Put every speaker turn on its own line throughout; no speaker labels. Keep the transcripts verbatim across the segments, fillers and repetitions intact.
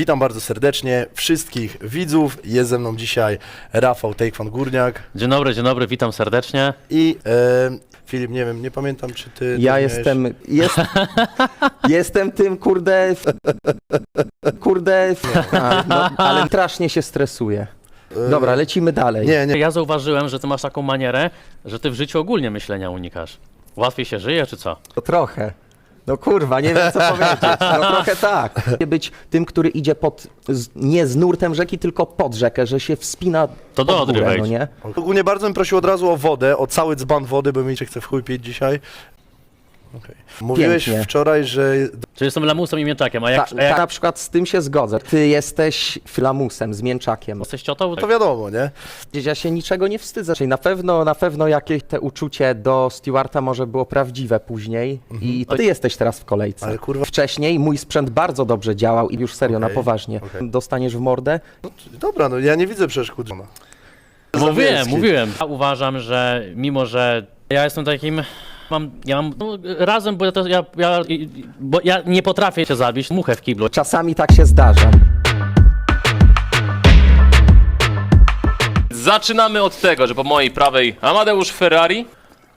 Witam bardzo serdecznie wszystkich widzów. Jest ze mną dzisiaj Rafał Tejkwan Górniak
Dzień dobry, dzień dobry, witam serdecznie.
i e, Filip, nie wiem, nie pamiętam czy ty...
Ja
też
jestem,
miałeś...
jest, jestem tym, kurde, kurde, a, no, ale strasznie się stresuję. Dobra, lecimy dalej.
Nie, nie,
Ja zauważyłem, że ty masz taką manierę, że ty w życiu ogólnie myślenia unikasz. Łatwiej się żyje, czy co?
To trochę. No kurwa, nie wiem co powiedzieć. No trochę tak. Być tym, który idzie pod, z, nie z nurtem rzeki, tylko pod rzekę, że się wspina
To do
pod
Odry
górę, no
wejdź.
nie?
ogólnie bardzo bym prosił od razu o wodę, o cały dzban wody, bo mi się chce w chuj pić dzisiaj. Okay. Mówiłeś
Pięknie.
wczoraj, że...
Czy jestem lamusem i mięczakiem, a
Ta,
jak, a jak
ta, na przykład z tym się zgodzę. Ty jesteś flamusem, z mięczakiem.
jesteś ciotą?
To wiadomo, nie?
Ja się niczego nie wstydzę. Czyli na pewno, na pewno jakieś te uczucie do Stewarta może było prawdziwe później i ty jesteś teraz w kolejce.
Ale kurwa...
Wcześniej mój sprzęt bardzo dobrze działał i już serio,
Okej,
na poważnie.
okej.
Dostaniesz w mordę?
No, dobra, no ja nie widzę przeszkód.
Mówiłem,
Zawielski.
mówiłem. Ja uważam, że mimo, że ja jestem takim... Mam, ja mam no, razem, bo ja, to, ja, ja, bo ja nie potrafię się zabić, muchę w kiblu.
Czasami tak się zdarza.
Zaczynamy od tego, że po mojej prawej Amadeusz Ferrari,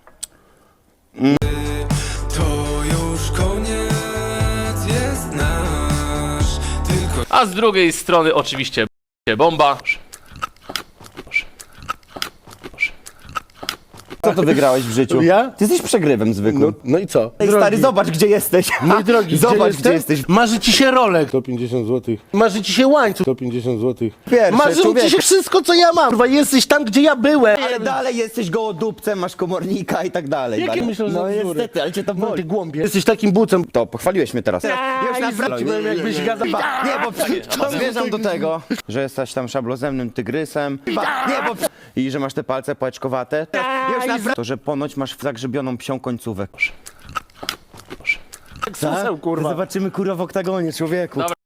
To już koniec jest nasz, tylko
a z drugiej strony oczywiście Bomba.
Co to wygrałeś w życiu?
Ja?
Ty jesteś przegrywem zwykłym.
No, no i co?
Ej, stary, zobacz gdzie jesteś.
Mój drogi,
Zobacz
gdzie,
gdzie
jestem?
jesteś.
Marzy ci się rolek. sto pięćdziesiąt złotych. Marzy ci się łańcuch. sto pięćdziesiąt złotych.
Pierwsze,
Marzy ci
człowieku.
się wszystko, co ja mam. Kurwa, jesteś tam, gdzie ja byłem.
Ale dalej jesteś gołodupcem, masz komornika i tak dalej.
Jakie
Bardzo-
myślę, że
No
bzdury?
niestety, ale cię to
No ty
boli.
głąbie. Jesteś takim bucem.
To, pochwaliłeś mnie teraz.
Już naprawdę byłem, jakbyś gadał.
Nie, bo zmierzam do tego, że jesteś tam szablozemnym tygrysem. Nie, bo i że masz te palce pałeczkowate. Już naprawdę. To, że ponoć masz zagrzebioną psią końcówę.
Suseł, kurwa.
Zobaczymy kurwa w oktagonie, człowieku.
Dobra.